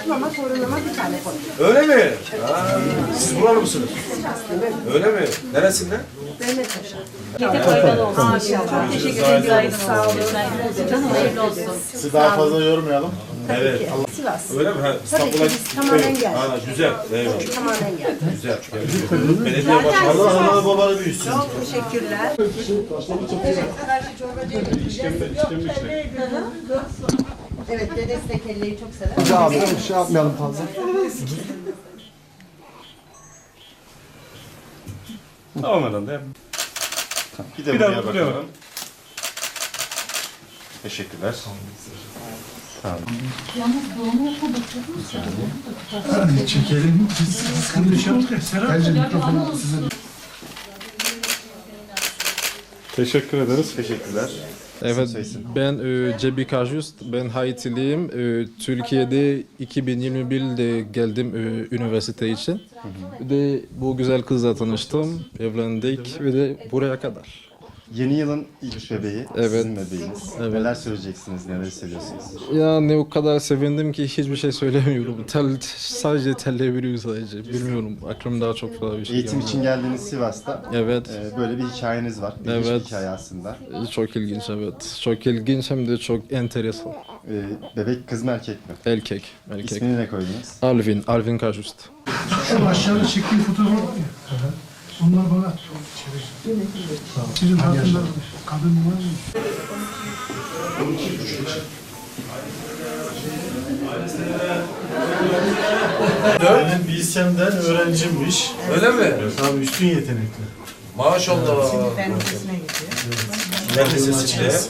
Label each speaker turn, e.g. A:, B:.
A: mama, torunuma bir tane koydum.
B: Öyle mi? Ha, siz buralı mısınız? Öyle mi? Neresinden?
A: Mehmet Paşa.
C: Gece faydalı olsun.
A: Çok teşekkür ederim. Sağ olun.
C: Hayırlı olsun.
D: Sizi daha fazla yormayalım.
B: Evet.
A: Sivas.
B: Öyle mi? Ha, İstanbul'a
A: biz tamamen geldik.
B: Ha, güzel. Eyvallah.
A: Tamamen geldi.
B: Güzel. Belediye başkanı.
D: Allah analı babalı büyüsün.
A: Çok teşekkürler. Evet, dedesi de kelleyi çok sever.
E: Abi bir şey yapmayalım fazla.
F: Tamam herhalde.
D: Bir de
F: Bir
D: buraya
F: daha buraya
D: bakalım.
F: bakalım.
D: Teşekkürler.
E: Çekelim. Sıkıntı bir şey yaptık ya. Serap. Bence mikrofonu sizin.
F: Teşekkür ederiz.
D: Teşekkürler.
G: Evet,
D: Söylesin.
G: ben Cebi Kajust, ben Haitiliyim. Türkiye'de 2021'de geldim üniversite için. Ve bu güzel kızla tanıştım, evlendik ve de buraya kadar.
D: Yeni yılın ilk bebeği,
G: Evet.
D: sizin bebeğiniz.
G: Evet.
D: Neler söyleyeceksiniz, neler hissediyorsunuz?
G: Yani o kadar sevindim ki hiçbir şey söylemiyorum. Sadece tellebiliyorum sadece. Bilmiyorum, aklımda çok fazla bir şey
D: Eğitim
G: geldi.
D: için geldiğiniz Sivas'ta
G: Evet,
D: böyle bir hikayeniz var. İlginç bir
G: Evet.
D: hikaye aslında.
G: çok ilginç evet. Çok ilginç hem de çok enteresan.
D: Bebek kız mı erkek mi?
G: Erkek.
D: İsmini ne koydunuz?
G: Alvin Kajust.
E: Şu aşağıda çektiğim fotoğraf var ya. Onlar bana at. Sizin hakkında kadın var mı?
D: Benim bilsemden öğrencimmiş.
B: Öyle mi?
D: Tabii üstün yetenekli.
B: Maşallah.
A: Ben ikisine gidiyor.
B: Fen lisesi.